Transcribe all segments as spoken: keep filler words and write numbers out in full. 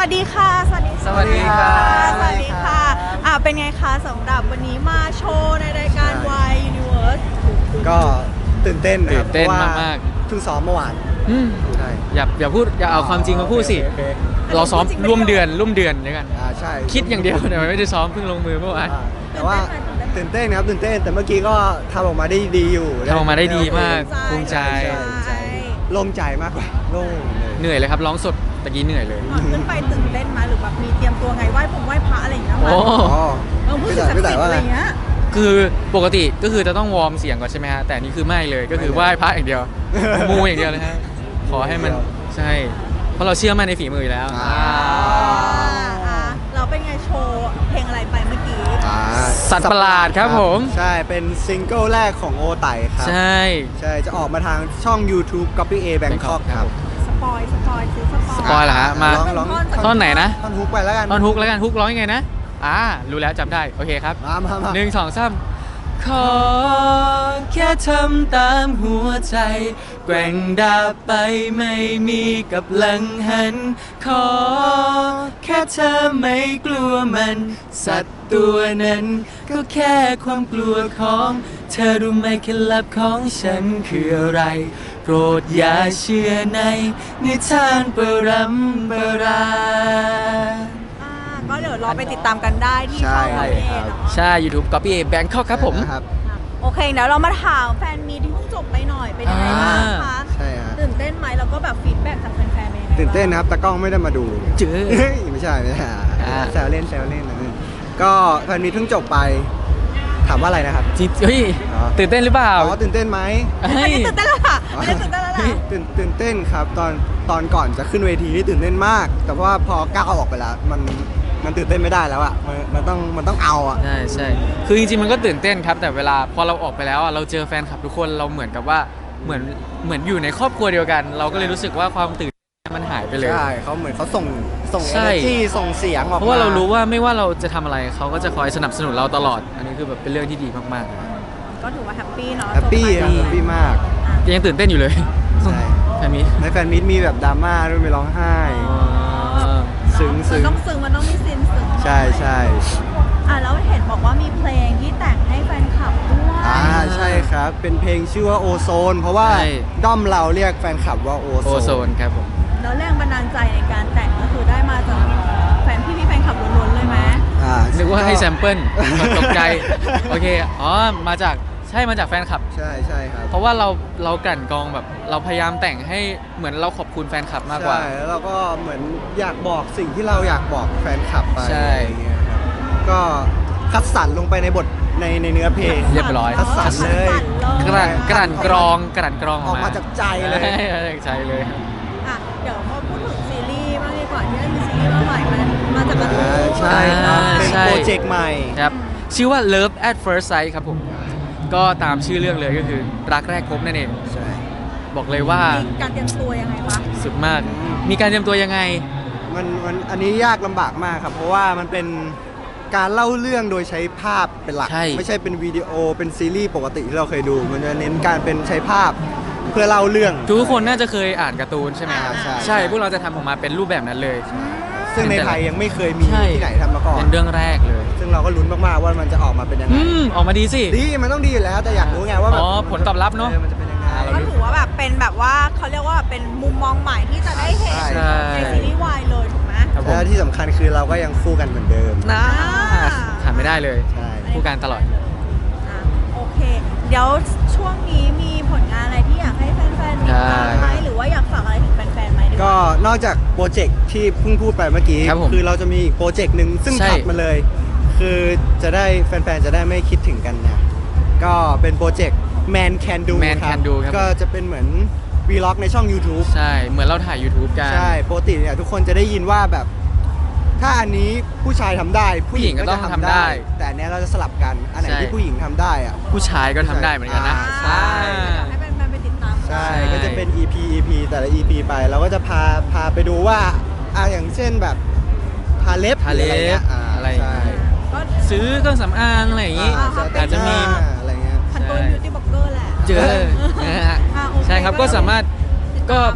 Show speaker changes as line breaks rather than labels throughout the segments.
วัสดีค่ะสวัสดี
สวัสดีค่ะ
สวัสดีค่ะอ่าเป็นไงคะสำหรับวันนี้มาโชว์ในรายการ Y Universe
ก็ตื่นเต้นนะครับ
ตื่นเต้น
พระว่
มาก
เพิ่งซ้อมเมื่อวาน
อืม
ใช่
อย่าอย่าพูดอย่าเอาความจริงมาพูดสิ
โอเคโอเค
เราซ้อมร่วมเดือนร่วมเดือนด้วยกัน
อ่าใช่
คิดอย่างเดียวแต่ไม่ได้ซ้อมเพิ่งลงมือเมื่อวาน
อ่าแต่ว่าตื่นเต้นครับตื่นเต้นแต่เมื่อกี้ก็ทำออกมาได้ดีอยู่
ทำออกมาได้ดีมากภูมิใจ
ใช่
โล่งใจมากกว่าโล่งเลย
เหนื่อยเลยครับร้องสดตะกี้เหนื่อยเลย
ก่อนขึ้นไปตื่นเต้นไหมหรือแบบมีเตรียมตัวไงไหว้ผมไหว้พระอะไรอย่างเงี้ย
โอ้
อ๋อ
เออพูดถึงศักดิ์สิทธิ์อะไรอย่างเงี้ย
คือปกติก็คือจะต้องวอร์มเสียงก่อนใช่ไหมฮะแต่อันนี่คือไม่เลยก็คือไหว้พระอย่างเดียวมูอย่างเดียวเลยฮะขอให้มันใช่เพราะเราเชื่อมั่นในฝีมืออยู่แล้ว
อ่า
อ่าเราเป็นไงโชว์เพลงอะไรไปเมื่อกี้
อ่า
สัตว์ประหลาดครับผม
ใช่เป็นซิงเกิลแรกของโอไตครับ
ใช่
ใช่จะออกมาทางช่อง YouTube Copy A Bangkok ครับ
สปอยสปอยซิสปอย
สปอยเหรอฮะมา
ร้องร้อง
ท่อนไหนนะ
ท่อนฮุกไปแล้วกัน
ท่อนฮุกแล้วกันฮุกร้องยังไงนะอ่ารู้แล้วจำได้โอเคครับ
มามามา
หนึ่งสองสามขอแค่ทำตามหัวใจ แกว่งดาบไปไม่มีกับหลังหัน ขอแค่เธอไม่กลัวมัน สัตว์ตัวนั้น ก็แค่ความกลัวของ เธอรู้ไหมเคล็ดลับของฉันคืออะไร โปรดอย่าเชื่อในนิทานปรำปรา
อ่าก็เดี๋ยวรอไปติดตามกันได้ที่ช่อง
ใช่
เราเองเนาะ
ใช่ YouTube Copy A Bangkok ครับผม
ครับ
โอเคเดี๋ยวเรามาถามแฟนมีที่เพิ่งจบไปหน่อยเป็นยังไงบ้างคะ
ใช่ฮะ
ตื่นเต้นไหมแล้วก็แบบฟีดแบ็กจากแฟนๆเป็นยังไงบ้าง
ตื่นเต้นนะครับตากล้องไม่ได้มาดู
เจอ
เฮ้ยไม่ใช่ไม่ใช่
อ่า
แซวเล่นแซวเล่นนะก็แฟนมีเพิ่งจบไป ถามว่าอะไรนะครับ
จริงเฮ้ย
อ๋อ
ตื่นเต้นหรือเปล่า
อ๋อตื่นเต้นไหม
อัน
เฮ้ย
นี้ตื่นเต้นแล้วล่ะอันนี้ตื่นเต้นแล้วล่ะ
ตื่นตื่นเต้นครับตอนตอนก่อนจะขึ้นเวทีนี่ตื่นเต้นมาก แต่ว่าพอก้าวออกไปแล้วมันมันตื่นเต้นไม่ได้แล้วอ่ะมันมันต้องมันต้องเอาอ่ะ
ใช่ใช่คือจริงๆมันก็ตื่นเต้นครับ แต่เวลาพอเราออกไปแล้วอะเราเจอแฟนคลับทุกคนเราเหมือนกับว่าเหมือนเหมือนอยู่ในครอบครัวเดียวกัน เราก็เลยรู้สึกว่าความตื่นเต้นมันหายไปเลย
ใช่เขาเหมือนเขาส่งส่ง
ใช่
energy ส่งเสียงออกมา
เพราะว่าเรารู้ว่าไม่ว่าเราจะทำอะไรเขาก็จะคอยสนับสนุนเราตลอด อันนี้คือแบบเป็นเรื่องที่ดีมาก
ก็ถือว่าแฮปปี้เนาะ
แฮปปี้
จบ
แฮ
ไป
ปปี้มาก
ๆแต่ยังตื่นเต้นอยู่เลย
ใช่
แฟนมิ
ในแฟนมิตมีแบบดราม่าด้วยมีร้องไห้ ซึ้ง
มัน
ซึ้ง
ต้องซึ้งมันต้องมีซีนซึ้ง
ใช่ใช่
อ่ะแล้วเห็นบอกว่ามีเพลงที่แต่งให้แฟนคลับด้วย
อ่าใช่ครับ เป็นเพลงชื่อว่าโอโซน เพราะว่า
ใช่
ด้อมเราเรียกแฟนคลับว่าโอ
โอ
โซ
โซ
น
นครับผม
แล้วแรงบันดาลใจในการแต่งก็คือได้มาจากแฟนพี่พี่ๆแฟนคลับล้วนๆเลยไหม
อ่า
นึกว่าให้แซมเปิลตกใจโอเคอ๋อมาจากใช่มาจากแฟนคลับ
ใช่ใช่ครับ
เพราะว่าเราเรากลั่นกรองแบบเราพยายามแต่งให้เหมือนเราขอบคุณแฟนคลับมากกว่า
ใช่แล้วเราก็เหมือนอยากบอกสิ่งที่เราอยากบอกแฟนคลับไป
ใช่
อะไรเงี้ยครับก็คัดสรรลงไปในบทในในเนื้อเพลง
เรียบร้อย
คัดสรรเลย
กลั่นกลั่นกรองกลั่นกรอง
ออกมาจากใจเลย
ใช่มาจากใจเลยครับ
อ่ะเดี๋ยวมาพูดถึงซีรีส์บ้างดีกว่าที่ได้มีซีรีส์มาใหม่มันมาจากการ์ตู
อ่าน ใช่ครับเป็นโปรเจกต์ใหม่
ครับชื่อว่า Love at First Sight ครับผม ก็ตามชื่อเรื่องเลยก็คือรักแรกพบนั่นเอง
ใช่
บอกเลยว่า
มีการเตรียมตัวยังไงวะ
สุดมาก มีการเตรียมตัวยังไง
มันมันอันนี้ยากลำบากมากครับ เพราะว่ามันเป็นการเล่าเรื่องโดยใช้ภาพเป็นหลัก
ใช่
ไม่ใช่เป็นวิดีโอเป็นซีรีส์ปกติที่เราเคยดู มันจะเน้นการเป็นใช้ภาพเพื่อเล่าเรื่อง
ทุกคนน่าจะเคยอ่านการ์ตูนใช่ไหมครับ
ใช่
ใช่ พวกเราจะทำออกมาเป็นรูปแบบนั้นเลย
ซึ่งในไทยยังไม่เคยมี
ใช่
ที่ไหนทำมาก่อน
เป็นเรื่องแรกเลย
ซึ่งเราก็ลุ้นมากๆว่ามันจะออกมาเป็นยังไง
อืม ออกมาดีสิ
ดีมันต้องดีอยู่แล้ว แต่อยากรู้ไงว่าแบบ
อ๋อผลตอบรับเนอะ
ออมันจะเป็นยังไง
อ่าเรา
ก็ถือว่าแบบเป็นแบบว่าเขาเรียกว่าเป็นมุมมองใหม่ที่จะได้เห็น
ใช่
ในซีรีส์วายเลยถูกไหม
ครับผม
แล้วที่สำคัญคือเราก็ยังคู่กันเหมือนเดิม
นะ
อ่า
ขาดไม่ได้เลย
ใช่
คู่กันตลอด
อ่ะโอเค เดี๋ยวช่วงนี้มีผลงานอะไรที่อยากให้แฟนๆติดตามไหมหรือว่าอยากฝากอะไรถึงแฟนๆไหมดีว่า
ก็นอกจากโปรเจกต์ที่เพิ่งพูดไปเมื่อกี้
ครับผม
คือเราจะมีอีกโปรเจกต์หนึ่งซึ่ง
ใช่
ถัดมาเลย คือจะได้แฟนๆ จะได้ไม่คิดถึงกันนะ ก็เป็นโปรเจกต์ Man Can Do
Man
ครับ
Can Do ครับ
ก็จะเป็นเหมือนวีล็อกในช่อง YouTube
ใช่ เหมือนเราถ่าย YouTube กัน
ใช่ปกติเนี่ยทุกคนจะได้ยินว่าแบบ ถ้าอันนี้ผู้ชายทำได้ ผู้หญิงก็จะ
ผู้หญิงก็ต้อง
ทำ
ทำได้
ได้ แต่อันเนี้ยเราจะสลับกัน อันไหน
ใช่
ที่ผู้หญิงทำได้อะ
ผู้ชายก็ทำได้เหมือนกันนะ
ใช่
อยากให้แฟนๆไปติดตาม
ใช่
ใช่
ก็จะเป็น อี พี อี พี แต่ละ อี พี ไป เราก็จะพาพาไปดูว่าอ่ะอย่างเช่นแบบทาเล็บ
ทาเล็บ
หรืออะไรเงี้ยอ่า
อะไร
ใช่
ก็
ซื้อเครื่องสำอางอะไรอย่างงี้
อ่า
อาจจะมี
อะไรเงี้ย
พันตัวบิวตี้บล็อกเกอร์แหละ
เจอนะฮะ
อ่ะโอเค
ใช่ครับก็สามารถก็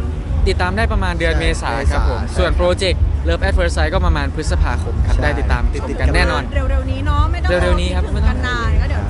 ติดตามได้ประมาณเดือน
ใช่
เมษาครับผม
เมษา
ส่วน
ใช่ครับ
โปรเจกต์ Love at First Sight ก็ประมาณพฤษภาคมครับ
ใช่
ได้ติดตามติดติดกันแน่นอน
เร็วๆนี้เนาะไม่ต้อง
เร็วๆนี้ครับ
คิดถึงกันนานก็เดี๋ยว